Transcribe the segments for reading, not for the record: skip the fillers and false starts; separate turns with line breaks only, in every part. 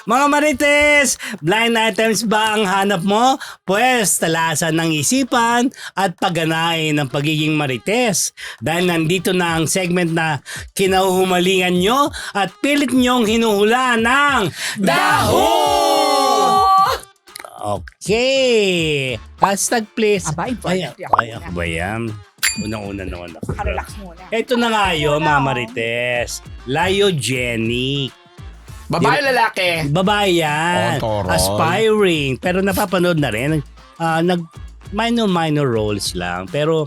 Mga Marites, blind items ba ang hanap mo? Pwes, talasan ng isipan at pagganain ng pagiging Marites. Dahil nandito na ang segment na kinahuhumalingan nyo at pilit nyong hinuhula ng
Daho!
Okay. Hashtag please.
Aba, important.
Ako ba yan? Unang-una naman ako.
Relax muna.
Ito na nga yun, mga Marites. Lyogenic.
Babae lalaki.
Babae yan.
Oh, toron.
Aspiring. Pero napapanood na rin. Minor roles lang. Pero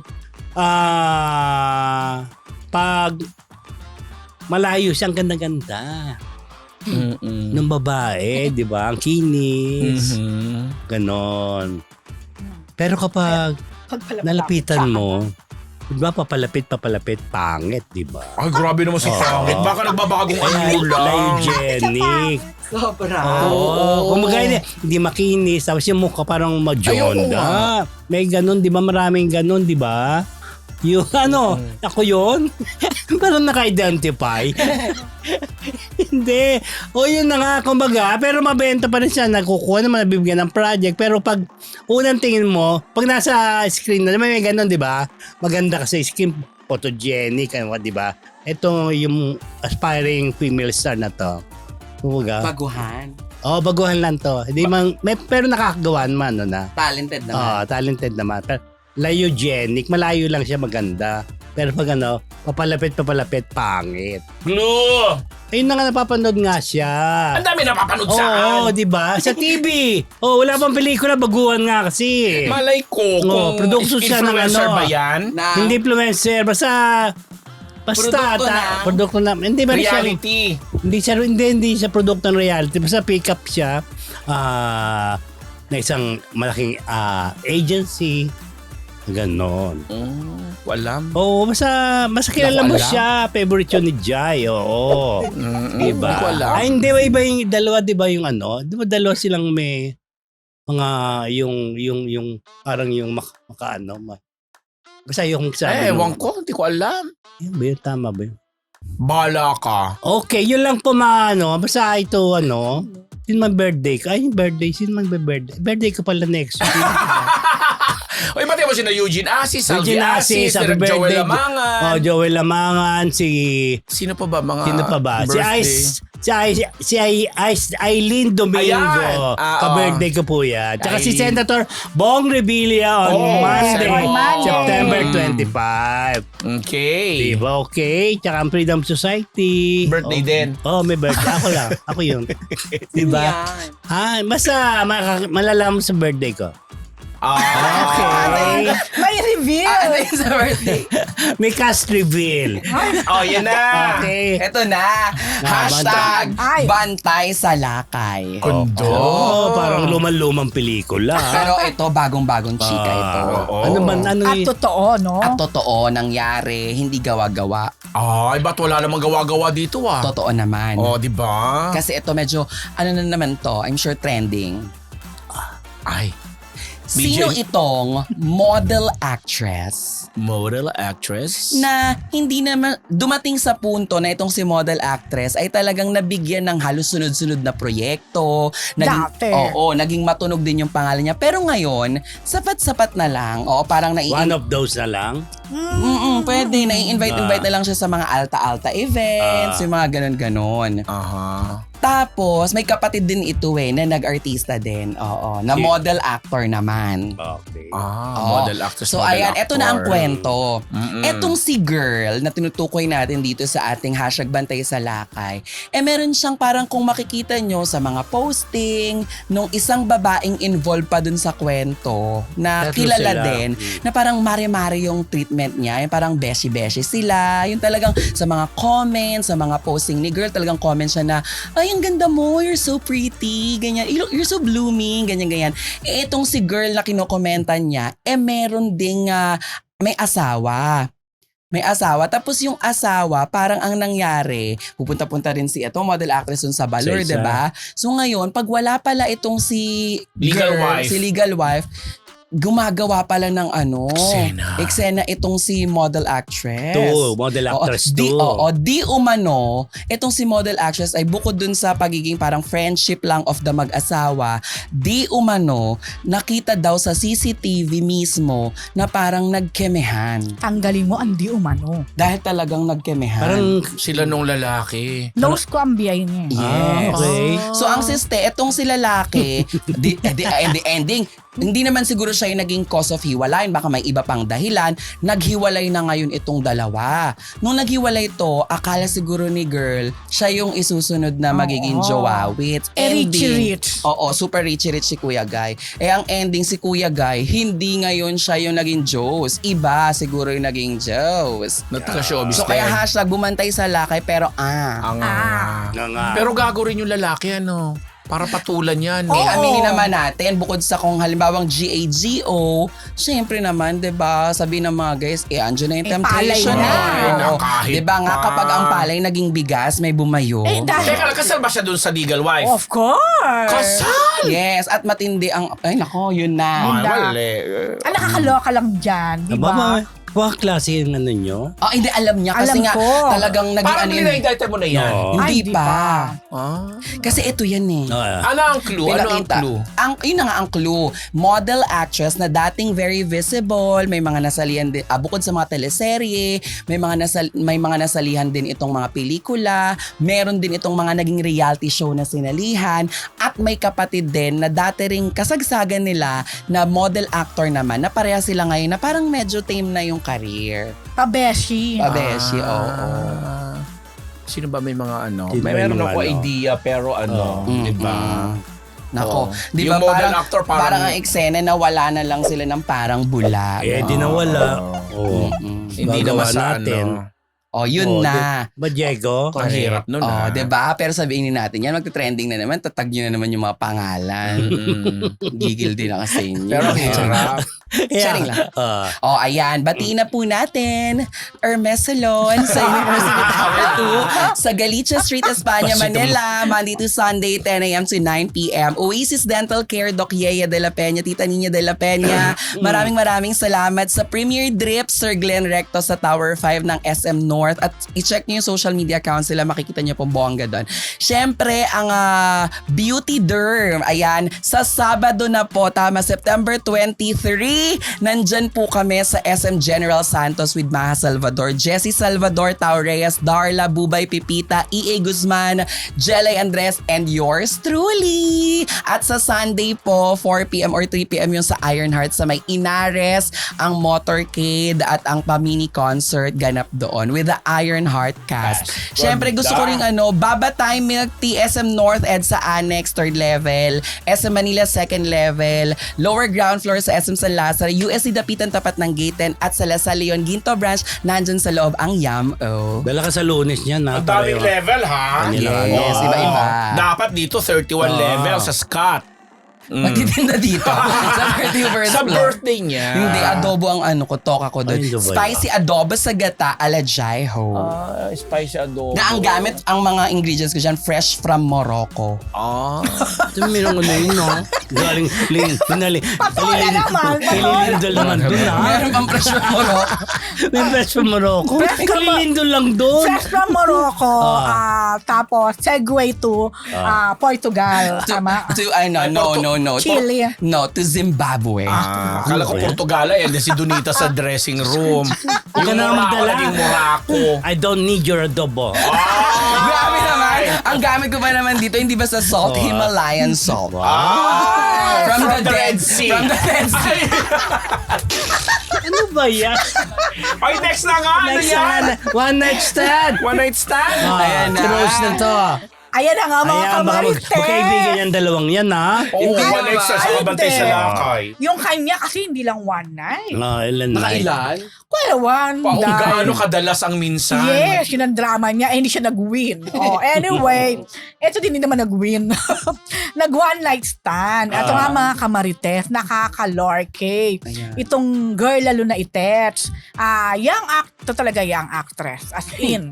pag malayo siyang ganda-ganda ng babae, di ba? Ang kinis. Ganon. Pero kapag nalapitan mo, di ba papalapit, pangit, di ba?
Ay, grabe naman si Pangit. Baka nagbabagong ano lang.
Lyogenic.
Sobra.
Oo. Kumbaga hindi makinis. Tapos yung mukha parang majonda. May ganun, di ba? Maraming ganun, di ba? Yung ako yun? Parang naka-identify. Hindi. O yun na nga, kumbaga. Pero mabenta pa rin siya. Nagkukuha naman, nabibigyan ng project. Pero pag unang tingin mo, pag nasa screen na, may ganun, di ba? Maganda kasi skin, photogenic, di ba? Ito yung aspiring female star na to. Kumbaga.
Baguhan.
Baguhan lang to. Hindi pero nakakagawa naman, na.
Talented naman.
Talented naman. Pero lyogenic, malayo lang siya maganda. Pero pag papalapit, pangit.
Blue!
Ayun na nga, napapanood nga siya.
Ang dami napapanood saan?
Oo, di ba? Sa TV. Wala pang pelikula, baguhan nga kasi.
Malay ko kung
production siya ng
influencer ba yan?
Hindi influencer, basta produkto na. Hindi ba
Reality.
Hindi siya produkto ng reality. Basta pick up siya na isang malaking agency. Ganon.
Walam.
Basta kilala mo
Alam.
siya. Favorite yun ni Jai. Oo. Diba?
Hindi ko alam.
Ay, hindi ba iba yung dalawa, diba yung Di ba dalawa silang may mga yung parang yung basta yung sabi
Ewan ko, hindi ko alam.
Yun ba yun? Tama ba yun?
Bala ka.
Okay, yun lang po basta ito yun man birthday ko. Ay, yung birthday. Sino man birthday? Birthday ko pala next week.
Oy, pati mo si na Eugene Asis, Salvi
Eugene
Asis,
happy
Joel
birthday.
Lamangan.
Joel Lamangan,
Sino pa ba mga
Sino pa ba?
birthday?
Si Aileen Domingo.
Ayan.
Ka-birthday ko po yan. Tsaka si
Aileen.
Senator Bong Revilla on Monday,
Monday.
September 25.
Okay.
Diba? Okay. Tsaka ang Freedom Society.
Birthday din.
May birthday. Ako lang. Ako yun. Diba?
Yan.
Basta malalaman sa birthday ko. Okay.
May reveal.
Ano yung sa birthday?
May cast reveal.
Yan na.
Okay.
Ito na. Hashtag
Ay.
Bantay sa Lakay.
Kondo.
Parang lumang pelikula.
Pero ito, bagong-bagong chika ito.
Ano man,
At totoo, no?
At totoo, nangyari, hindi gawa-gawa.
Ay, ba't wala namang gawa-gawa dito
Totoo naman.
di ba?
Kasi ito medyo, ano na naman to, I'm sure trending.
Ay,
Sino
BJ?
itong model actress
model actress.
na hindi naman dumating sa punto na itong si model actress ay talagang nabigyan ng halos sunod-sunod na proyekto.
Dati.
Naging matunog din yung pangalan niya. Pero ngayon, sapat-sapat na lang. Parang
One of those na lang.
pwede. Nai-invite na lang siya sa mga alta-alta events, yung mga ganon-ganon.
Aha.
Tapos, may kapatid din ito na nag-artista din. Na model actor naman.
Okay.
Model actress.
So
model
ayan, eto na ang
actor.
kwento. Etong si girl na tinutukoy natin dito sa ating hashtag Bantay sa Lakay, meron siyang parang kung makikita nyo sa mga posting nung isang babaeng involved pa dun sa kwento na
Tatlo
kilala
sila.
din na parang mare-mare yung treatment niya, yung parang beshi-beshi sila, yung talagang sa mga comments, sa mga posting ni girl, talagang comment siya na, ay, ang ganda mo, you're so pretty, ganyan, you're so blooming, ganyan. Etong si girl na kinokomentan niya, meron ding may asawa. Tapos yung asawa, parang ang nangyari, pupunta-punta rin si ito, model actress dun sa Balor,
Sa isa.
diba? So ngayon, pag wala pala itong si
Legal wife.
si legal wife, gumagawa pala ng
Eksena.
eksena itong si model actress.
Model actress
di,
too.
di umano, itong si model actress ay bukod dun sa pagiging parang friendship lang of the mag-asawa, di umano, nakita daw sa CCTV mismo na parang nagkemehan.
Tanggalin mo ang di umano.
Dahil talagang nagkemehan.
Parang,
Sila nung lalaki.
Nose ko ang biyay niya.
Yes.
okay.
So ang siste, etong si lalaki, the ending, hindi naman siguro siya yung naging cause of hiwalayan, baka may iba pang dahilan, naghiwalay na ngayon itong dalawa. Nung naghiwalay to, akala siguro ni girl, siya yung isusunod na magiging jowawit.
Rich.
Oo, super rich si Kuya Guy. Ang ending si Kuya Guy, hindi ngayon siya yung naging Joes. Iba siguro yung naging Joes.
Nagka-showbiz
So kaya
din.
hashtag bumantay sa lakay pero
Ang,
nga.
Pero gago rin yung lalaki, ano? Para patulan yan.
Oo.
Aminin naman natin, bukod sa kung halimbawang GAGO, syempre naman, 'di ba, sabi ng mga guys, andyan na yung
palay
temptation
na.
Oo.
Kahit
'Di ba nga
pa.
kapag ang palay naging bigas, may bumayo.
Dahil,
Teka lang, kasal ba siya dun sa legal wife?
of course.
Kasal!
Yes, at matindi ang nako, yun na.
Ay, wala.
Ang nakakaloka lang dyan, di
Aba,
ba?
mga klase yung ano nyo?
Hindi alam niya kasi
Alam
nga
ko.
talagang naging
Parang nila-indicted mo na yan.
No.
Hindi
Ay,
pa.
Ah.
Kasi ito yan eh.
Ano ang clue? Ano ang
Pinakita.
clue?
Yun na nga ang clue. Model actress na dating very visible, may mga nasalihan din, bukod sa mga teleserye, may mga nasalihan din itong mga pelikula, meron din itong mga naging reality show na sinalihan, at may kapatid din na dati ring kasagsagan nila na model actor naman, na pareha sila ngayon na parang medyo tame na yung career.
Pabeshi.
Pabeshi, oo.
Sino ba may mga ano?
Sino ba
Meron
yung mga
ako
ano?
idea pero ano, di ba?
Nako,
Oo.
di
Yung
ba
model
parang,
actor
parang ang eksena na wala na lang sila ng parang bula.
Di nawala. Oo.
Hindi
Gagawa
naman sa
natin.
ano.
Yun na.
Ba, Diego?
Ang hirap nun ah.
Diba? Pero sabihin natin yan, magte-trending na naman, tatag nyo na naman yung mga pangalan. Gigil din ako sa inyo.
Pero ang hirap.
Sharing lang. Ayan. Batiin na po natin Hermes Salon sa University Tower 2 sa Galicia Street, Espanya, Manila. Monday to Sunday, 10 a.m. to 9 p.m. Oasis Dental Care, Doc Yea de la Peña, Tita Nina de la Peña. Maraming salamat sa Premier Drip, Sir Glenn Recto sa Tower 5 ng SM North. At i-check nyo yung social media accounts nila, makikita nyo pong bongga doon. Siyempre, ang Beauty Derm, ayan, sa Sabado na po, tama, September 23, nandyan po kami sa SM General Santos with Maha Salvador, Jessie Salvador, Tao Reyes, Darla, Bubay Pipita, E.A. Guzman, Jelay Andres, and yours truly. At sa Sunday po, 4 p.m. or 3 p.m. yung sa Ironheart sa may Inares, ang Motorcade at ang Pamini Concert ganap doon with the Ironheart cast. Siyempre gusto ko rin Baba Time Milk Tea, SM North Ed sa Annex 3rd level, SM Manila 2nd level, lower ground floor sa SM San Lazaro, USC Dapitan tapat ng Gate 10 at sa Lasal Leon Ginto branch, nandyan sa loob ang Yam-O.
Dala ka sa Lunes niyan, ha?
Ang daming level ha.
Yes, iba-iba.
Dapat dito 31 level sa Scott.
Magtitinda dito sa 31st
Sa
floor.
birthday niya.
Hindi, adobo ang toka ko doon.
Ay, ano ba
Spicy adobo sa gata ala Jaiho.
Spicy adobo.
Na ang gamit, ang mga ingredients ko dyan, fresh from Morocco.
Ito mayroong yun, no? Galing,
Patola naman, patola.
Kalilindol naman dun, ha?
Meron pang fresh from Morocco.
May fresh from Morocco.
Fresh from
Kalilindol lang dun.
Fresh from Morocco, tapos segue to Portugal. Tama?
No.
Chile.
No, to Zimbabwe.
Akala ko Portugala si Donita sa dressing room.
Huwag ka
Yung
na
Morocco
magdala.
naging Morocco.
I don't need your adobo.
Grabe naman. Ang gamit ko pa naman dito, hindi ba sa salt, Himalayan salt. From the Dead Sea. From the Dead Sea.
Ano ba yan?
Ay, next na nga. Ano
Next
yan?
one night stand.
One night stand?
Ayan na.
Close na to.
Ayan na nga mga
Ayan, baka
kamarites.
magkaibigan yung dalawang yan, ha?
Oo, one night stand sa kabantay sa lakay.
Yung kanya kasi hindi lang one night.
Ilan na.
Nakailan?
Well, one
Kung
night.
gaano kadalas ang minsan.
Yes, yun ang drama niya. Hindi siya nag-win. Anyway, eto din naman nag-win. Nag-one night stand. Ito nga mga kamarites, nakakalorke.
Ayan.
Itong girl lalo na itets. Ito talaga young actress. As in,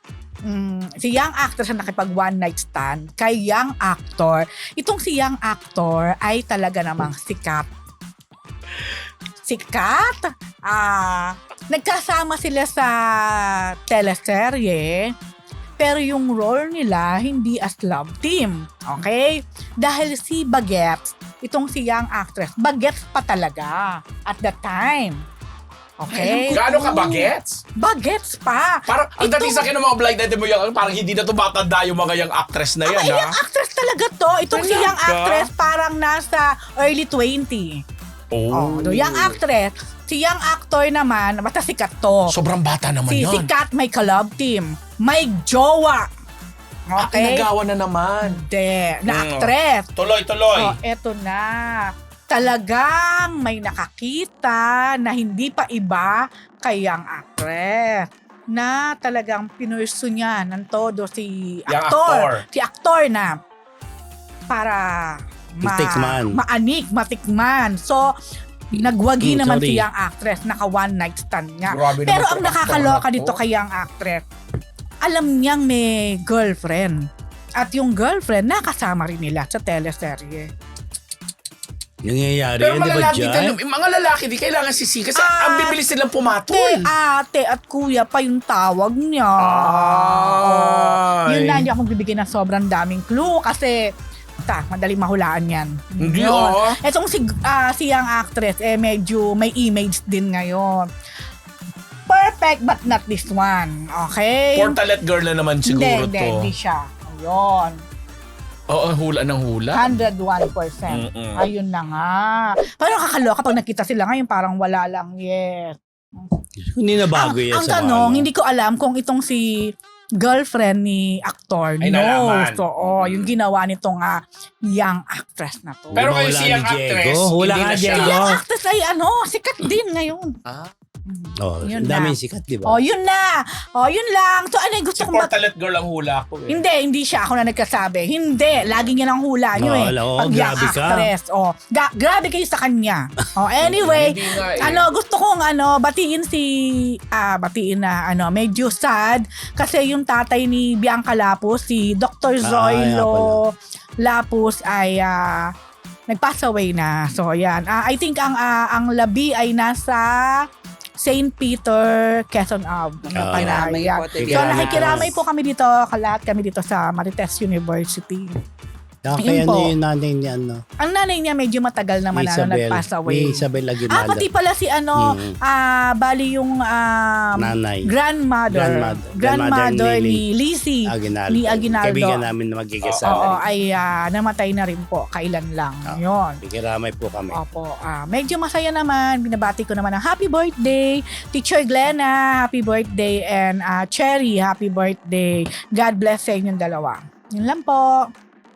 si young actress na nakipag one night stand kay young actor. Itong si young actor ay talaga namang sikat. sikat. Nagkasama sila sa teleserye. Pero yung role nila, hindi as love team. Okay? Dahil si Bagets, itong si young actress, Bagets pa talaga at that time. Okay?
Gaano ka bagets?
Bagets pa.
Parang, ang dating sa akin ng mga blind item mo yan, parang hindi na tumatanda yung mga young actress na yan,
Ay, young actress talaga to. Itong si young actress parang nasa early 20. No, young actress. Si young actor naman, basta sikat to.
Sobrang bata naman
Si
yan.
sikat may ka-love team. May jowa. Okay?
Nagawa na naman.
Hindi. Na actress.
Tuloy.
Eto na. Talagang may nakakita na hindi pa iba kay young actress na talagang pinurso niya ng todo si
Young
aktor.
actor.
Si aktor na para matikman. So, nagwagi naman si young actress. Naka one night stand niya.
Grabe
Pero
naman
ang
itong
nakakaloka
actor na
dito
to.
kay young actress, alam niyang may girlfriend. At yung girlfriend, nakasama rin nila sa teleserye.
Nangyayari
Pero
yan, di ba
malalaki
dyan?
mga lalaki di kailangan sisi kasi ang bibilis nilang pumatol.
Ate at kuya pa yung tawag niya.
Ay.
Yun na, hindi ako magbibigay ng sobrang daming clue kasi madaling mahulaan yan.
Hindi,
Yun. Etong si young actress, medyo may image din ngayon. Perfect but not this one. Okay?
Portalet girl na naman siguro to.
Hindi siya. Ayun.
Oo, hula ng hula.
101%.
Mm-mm.
Ayun na nga. Parang kakaloka pag nakita sila ngayon, parang wala lang. Yes.
Hindi na bago yan
Ang
sa
tanong,
mga
hindi ko alam kung itong si girlfriend ni actor
Ay, nalaman.
So, yung ginawa nitong young actress na to.
Pero
Hula
kayo si
ni
young
Diego.
actress,
Hula
hindi
ka,
na siya.
Diego.
Young actress ay sikat din ngayon.
Ang
Yun na.
daming sikat, di ba?
Yun na. Yun lang. So, gusto
Si
kong
Portalet girl ang hula ko eh.
Hindi siya ako na nagkasabi. Hindi, lagi niya ng hula niyo
Oo,
Pag young
grabe ka.
actress. Grabe kayo sa kanya. Anyway,
Hindi nga eh.
gusto kong batiin medyo sad kasi yung tatay ni Bianca Lapus, si Dr. Zoilo Lapus ay nag-pass away na. So, yan. I think ang labi ay nasa St. Peter, Quezon Ave.
Kiramay po,
So,
Kiramay.
nakikiramay po kami dito, lahat kami dito sa Marites University.
Kaya
Yun po.
yung nanay ni ano?
Ang nanay niya medyo matagal naman nag-pass away.
Ni Isabel Aguinaldo.
Pati pala si bali yung
Nanay.
grandmother ni Lizzie
Aguinaldo.
ni Aguinaldo.
Kaibigan namin na
Oo,
magkikasama.
ay namatay na rin po, kailan lang. Yun.
Kikiramay po kami.
Opo, medyo masaya naman. Binabati ko naman ng happy birthday. Teacher Glenna, happy birthday. And Cherry, happy birthday. God bless sa inyong dalawa. Yun lang po.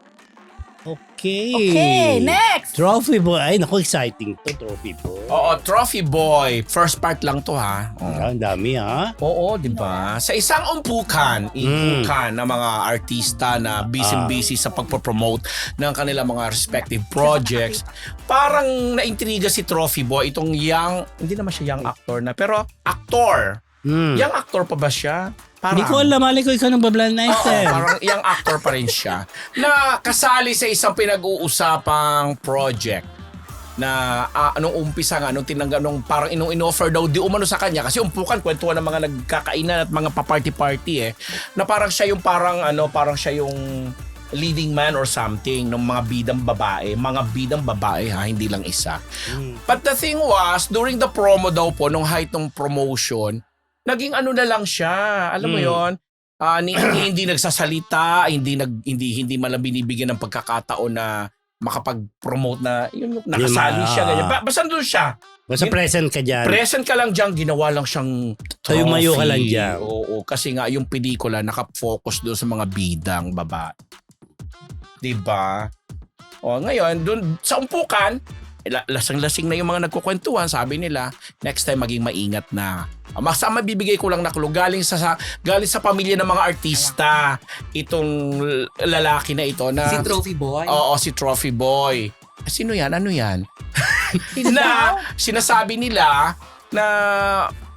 Okay, next!
Trophy boy. Ay, naku, exciting to, trophy boy.
Oo, Trophy Boy. First part lang to ha.
Ang dami ha.
Oo, di ba? Sa isang umpukan ng mga artista na busy sa pagpo-promote ng kanilang mga respective projects, parang naintriga si Trophy Boy, itong young, hindi naman siya young actor na, pero actor. Young actor pa ba siya?
Hindi ko alam, mali ko ikaw ng bablan na
Oo, parang young actor pa rin siya na kasali sa isang pinag-uusapang project na anong umpisa nga, nung parang in-offer daw di umano sa kanya kasi umpukan, kwentuhan ng mga nagkakainan at mga pa-party-party na parang siya yung parang siya yung leading man or something ng mga bidang babae ha, hindi lang isa. But the thing was, during the promo daw po, nung height ng promotion, naging na lang siya. Alam mo yon, hindi nagsasalita, hindi malang binibigyan ng pagkakataon na makapag-promote na yun, nakasali siya ganyan. Basta doon siya.
Basta present ka dyan.
Present ka lang diyan, ginawa lang siyang trophy.
Tumayo ka lang dyan.
Oo, kasi nga yung pelikula naka-focus doon sa mga bidang babae. 'Di ba? Ngayon doon sa umpukan, lasing-lasing na yung mga nagkukwentuhan, sabi nila, next time maging maingat na. Masama bibigay ko lang na clue, galing sa pamilya ng mga artista itong lalaki na ito na
Si Trophy Boy.
Oo, si Trophy Boy. Sino yan? Ano yan? na sinasabi nila na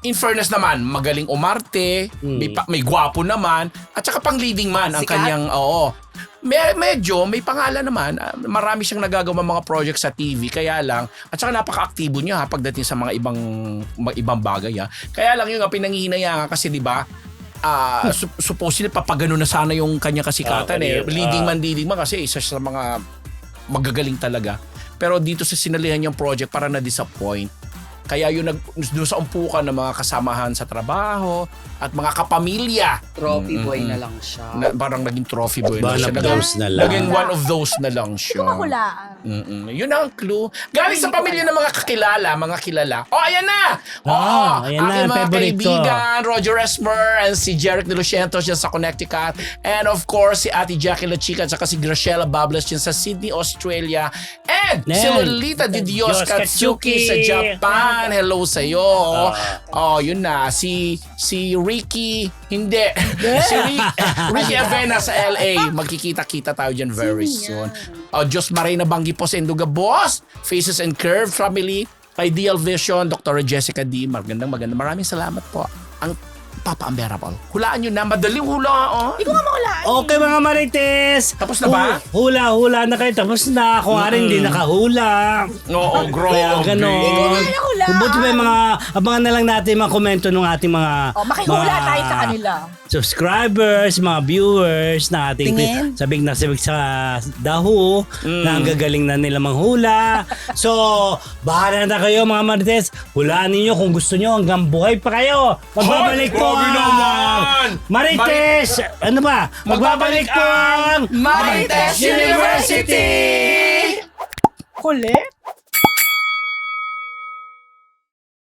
in fairness naman, magaling umarte, may gwapo naman, at saka pang leading man ang
Sikat.
kanyang, medyo may pangalan naman. Marami siyang nagagawa mga project sa TV, kaya lang, at saka napaka-aktibo niya pagdating sa mga ibang bagay. Kaya lang yung pinanghihinayang kasi, di ba, supposedly papagano na sana yung kanya kasikatan leading man kasi isa sa mga magagaling talaga. Pero dito sa sinalihan niyang project para na-disappoint. Kaya yung doon sa umpukan ng mga kasamahan sa trabaho at mga kapamilya.
Trophy boy na lang siya.
Parang naging trophy boy na
One
siya.
of those na lang.
Naging one of those na lang siya.
Mahulaan.
Yun ang clue. Galing sa pamilya ng mga kilala. Ayan na!
Ayan na,
aking mga
favorite ko.
kaibigan, Roger Esmer and si Jeric De Lucientos dyan sa Connecticut. And of course, si Ate Jackie La Chica at saka si Graciela Bables dyan sa Sydney, Australia. And si Lolita Di Dios Katsuki sa Japan. Hello sa'yo. Yun na. Si Ricky, hindi. Si Ricky Avena sa LA. Magkikita-kita tayo dyan very soon. Diyos Marina Banggi po sa Induga Boss, Faces and Curve Family, Ideal Vision, Dr. Jessica D. Magandang. Maraming salamat po. Ang Papa Unbearable. Hulaan nyo na. Madaling hula.
Hindi ko nga mahulaan.
Okay mga Marites.
Tapos na ba?
Hula na kayo. Tapos na. Ako nga rin hindi nakahula.
Oo,
Kaya
grabe.
ganon.
Nakahula.
Buti may mga, abangan na lang natin mga komento ng ating mga
Makihula tayo sa kanila.
subscribers, mga viewers na ating
Tingin.
sabik sa daho na ang gagaling na nila manghula. So, bahala na kayo mga Marites. Hulaan ninyo kung gusto nyo hanggang buhay pa kayo. Magbabalik po
grabe
ang
naman!
Marites! Ano ba? Magbabalik po ang
Marites University!
Kulit.